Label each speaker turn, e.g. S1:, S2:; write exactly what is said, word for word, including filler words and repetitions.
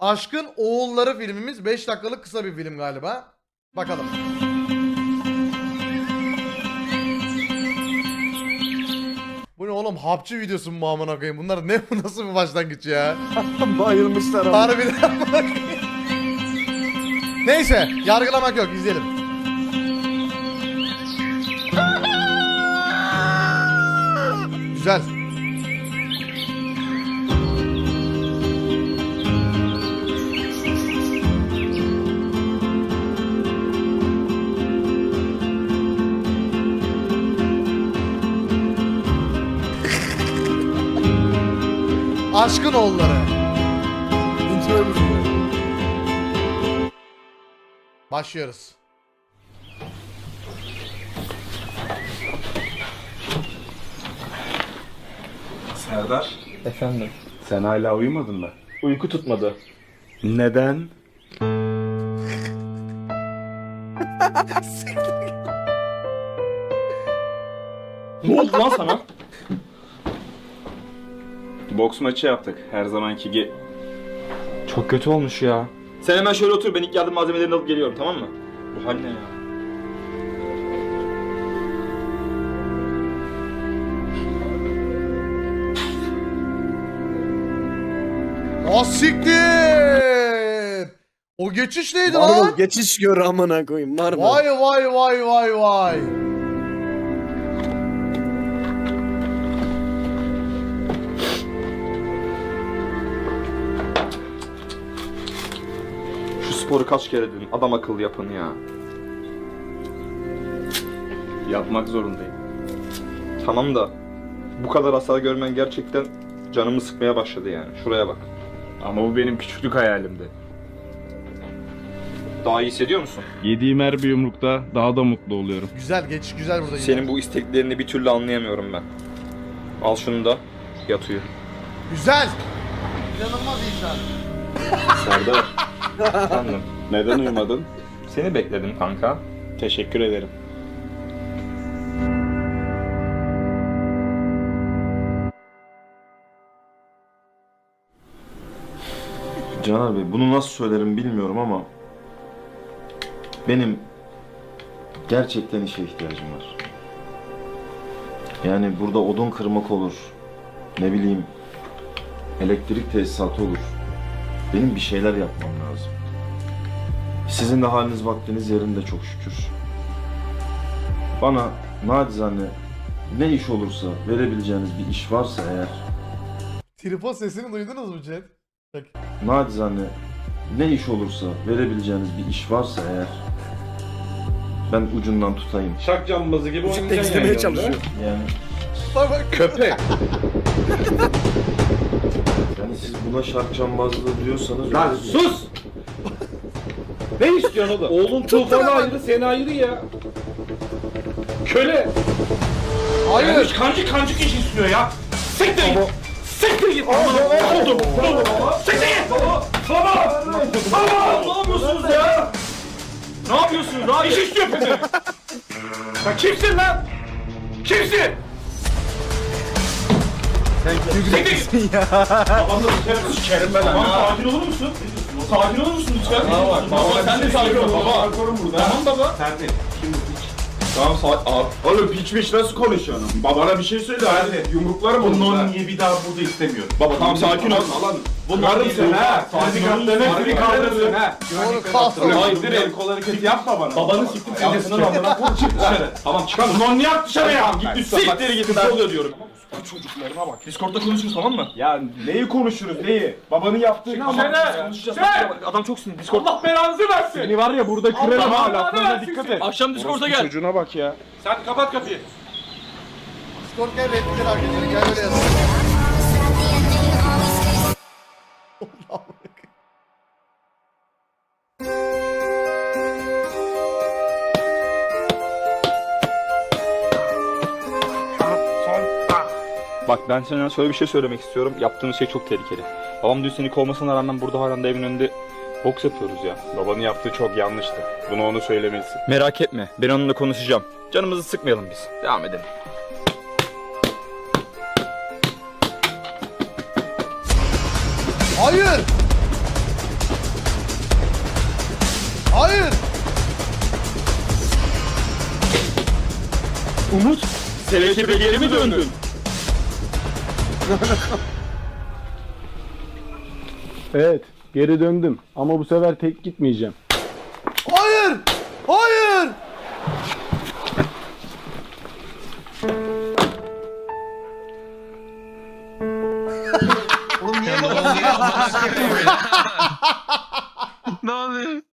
S1: Aşkın Oğulları filmimiz beş dakikalık kısa bir film galiba. Bakalım. Bu ne oğlum, hapçı videosu mu amına koyayım? Bunlar ne, bu nasıl bir başlangıç ya?
S2: Bayılmışlar ama.
S1: Harbiden amına koyayım. Neyse, yargılamak yok, izleyelim. Güzel. Aşkın Oğulları.
S2: İntro müziği.
S1: Başlıyoruz.
S3: Serdar,
S4: Efendim,
S3: sen hala uyumadın mı?
S4: uyku tutmadı.
S3: Neden?
S4: Ne oldu lan sana?
S3: Boks maçı yaptık. Her zamanki gibi.
S4: Çok kötü olmuş ya. Sen hemen şöyle otur, ben ilk yardım malzemelerini alıp geliyorum, tamam mı? Bu hal ne ya?
S1: Asiktir! O geçiş neydi lan?
S2: Marvel geçiş gör amına koyayım. Marvel.
S1: Vay vay vay vay vay.
S4: Şu sporu kaç kere dedim, adam akıllı yapın ya.
S3: Yapmak zorundayım.
S4: Tamam da, bu kadar hasar görmen gerçekten canımı sıkmaya başladı yani. Şuraya bak.
S3: Ama bu benim küçüklük hayalimdi.
S4: Daha iyi hissediyor musun?
S3: Yediğim her bir yumrukta daha da mutlu oluyorum.
S1: Güzel, geçiş güzel burada. yine.
S4: Senin bu isteklerini bir türlü anlayamıyorum ben. Al şunu da, yat uyu.
S1: Güzel. İnanılmaz iyi şu an.
S3: Serdar,
S4: Efendim,
S3: neden uyumadın?
S4: seni bekledim kanka.
S3: Teşekkür ederim.
S5: Caner Bey, bunu nasıl söylerim bilmiyorum ama benim gerçekten işe ihtiyacım var. Yani burada odun kırmak olur, ne bileyim elektrik tesisatı olur. Benim bir şeyler yapmam lazım. Sizin de haliniz vaktiniz yerinde çok şükür. Bana nacizane ne iş olursa verebileceğiniz bir iş varsa eğer,
S1: Tripod sesini duydunuz mu chat? Bak.
S5: nacizane ne iş olursa verebileceğiniz bir iş varsa eğer ben ucundan tutayım.
S3: Şak cambazı gibi
S2: Müzik de izlemeye çalışıyor.
S5: Yani
S1: Bak bak.
S3: Köpek.
S5: Yani siz buna şark cambazlığı diyorsanız
S3: Lan
S5: öyle değil.
S3: sus! Ne istiyorsun oğlum? Oğlum tufanı ayrı, seni ayrı ya. Köle.
S1: Hayır.
S3: Kancık kancık iş istiyor ya. Siktir git. Siktir git. Oldu. Siktir git. Baba. Baba. Baba. Ne yapıyorsunuz ya? Ne yapıyorsunuz abi? İş istiyor peki. Sen kimsin lan? Kimsin? Siktir git.
S2: ya.
S3: Babamla sikerim sikerim ben. Tamam sakin olur musun? Sakin olur musun lütfen? Baba bak baba sen de sakin ol baba. Tamam baba. Sen de. Tamam saat abi.
S6: Oğlum piç piç nasıl konuşuyorsun? Babana bir şey söyle hadi. Yumruklarım
S3: Bundan niye bir daha burada istemiyorum?
S6: Baba tamam sakin ol. Alan. Bunları sen ha.
S3: Sakin ol.
S6: Seni kaldırırsın ha.
S1: Onu kalsın.
S6: Hayır el kol hareketi yapma bana.
S3: Babanı siktim kafasının amına koy çık dışarı. Tamam çıkar.
S6: Ulan niye at dışarıya?
S3: Git lütfen bak.
S6: Siktir git
S3: Sıkıntı
S6: lan.
S3: oluyor diyorum. Çocuklarıma bak. Discord'da konuşuruz tamam mı?
S6: Ya neyi konuşuruz neyi? Babanın yaptığını ama.
S3: Konuşacağız. Adam çok sinirli. Discord.
S6: Allah belanızı versin. Seni var ya burada kırarım ha laflarına dikkat et.
S3: Akşam Discord'a gel.
S6: Çocuğuna bak ya.
S3: Sen kapat kapıyı.
S1: Discord gel, renkli arkadaşlar, gel böyle yazın.
S4: Bak ben sana şöyle bir şey söylemek istiyorum. Yaptığınız şey çok tehlikeli. Babam dün seni kovmasına rağmen burada halen de evin önünde boks yapıyoruz ya.
S3: Babanın yaptığı çok yanlıştı. Bunu onu söylemelisin.
S4: Merak etme. Ben onunla konuşacağım. Canımızı sıkmayalım biz. Devam edelim.
S1: Hayır.
S3: Umut, Seleke'de geri mi döndün?
S7: Evet, geri döndüm ama bu sefer tek gitmeyeceğim.
S1: Hayır! Hayır!
S8: Oğlum niye ne oluyor? Ne oluyor?